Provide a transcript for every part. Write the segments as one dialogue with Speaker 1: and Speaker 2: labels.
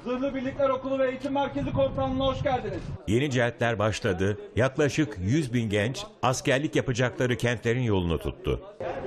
Speaker 1: Zırhlı Birlikler Okulu ve Eğitim Merkezi Komutanlığı'na hoş geldiniz.
Speaker 2: Yeni cihatler başladı. Yaklaşık 100.000 genç askerlik yapacakları kentlerin yolunu tuttu.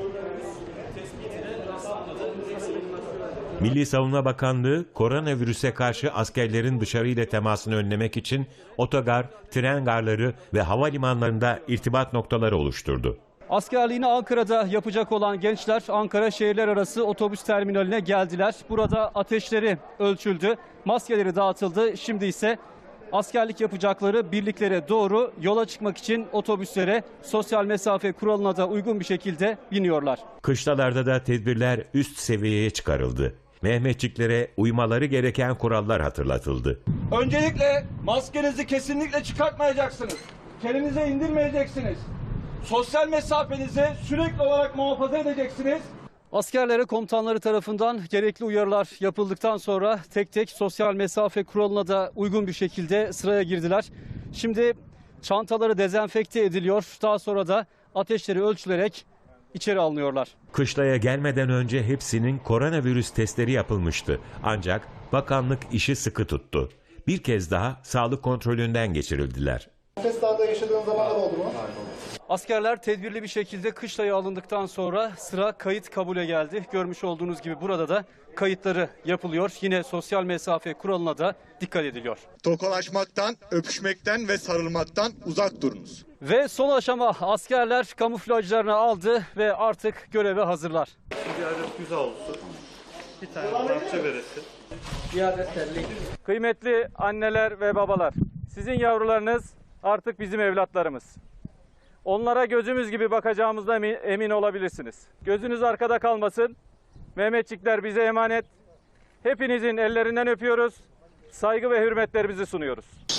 Speaker 2: Milli Savunma Bakanlığı, koronavirüse karşı askerlerin dışarıyla temasını önlemek için otogar, tren garları ve havalimanlarında irtibat noktaları oluşturdu.
Speaker 3: Askerliğini Ankara'da yapacak olan gençler Ankara şehirler arası otobüs terminaline geldiler. Burada ateşleri ölçüldü, maskeleri dağıtıldı. Şimdi ise askerlik yapacakları birliklere doğru yola çıkmak için otobüslere sosyal mesafe kuralına da uygun bir şekilde biniyorlar.
Speaker 2: Kışlalarda da tedbirler üst seviyeye çıkarıldı. Mehmetçiklere uymaları gereken kurallar hatırlatıldı.
Speaker 1: Öncelikle maskenizi kesinlikle çıkartmayacaksınız. Kelinize indirmeyeceksiniz. Sosyal mesafenizi sürekli olarak muhafaza edeceksiniz.
Speaker 3: Askerlere komutanları tarafından gerekli uyarılar yapıldıktan sonra tek tek sosyal mesafe kuralına da uygun bir şekilde sıraya girdiler. Şimdi çantaları dezenfekte ediliyor. Daha sonra da ateşleri ölçülerek içeri alınıyorlar.
Speaker 2: Kışlaya gelmeden önce hepsinin koronavirüs testleri yapılmıştı. Ancak bakanlık işi sıkı tuttu. Bir kez daha sağlık kontrolünden geçirildiler.
Speaker 4: Nefes darlığı yaşadığın zaman da oldu mu?
Speaker 3: Askerler tedbirli bir şekilde kışlaya alındıktan sonra sıra kayıt kabule geldi. Görmüş olduğunuz gibi burada da kayıtları yapılıyor. Yine sosyal mesafe kuralına da dikkat ediliyor.
Speaker 4: Tokalaşmaktan, öpüşmekten ve sarılmaktan uzak durunuz.
Speaker 3: Ve son aşama, askerler kamuflajlarını aldı ve artık göreve hazırlar.
Speaker 5: Bir adet güzel olsun. Bir tane parça veresin.
Speaker 3: Kıymetli anneler ve babalar, sizin yavrularınız artık bizim evlatlarımız. Onlara gözümüz gibi bakacağımızda emin olabilirsiniz. Gözünüz arkada kalmasın. Mehmetçikler bize emanet. Hepinizin ellerinden öpüyoruz. Saygı ve hürmetlerimizi sunuyoruz.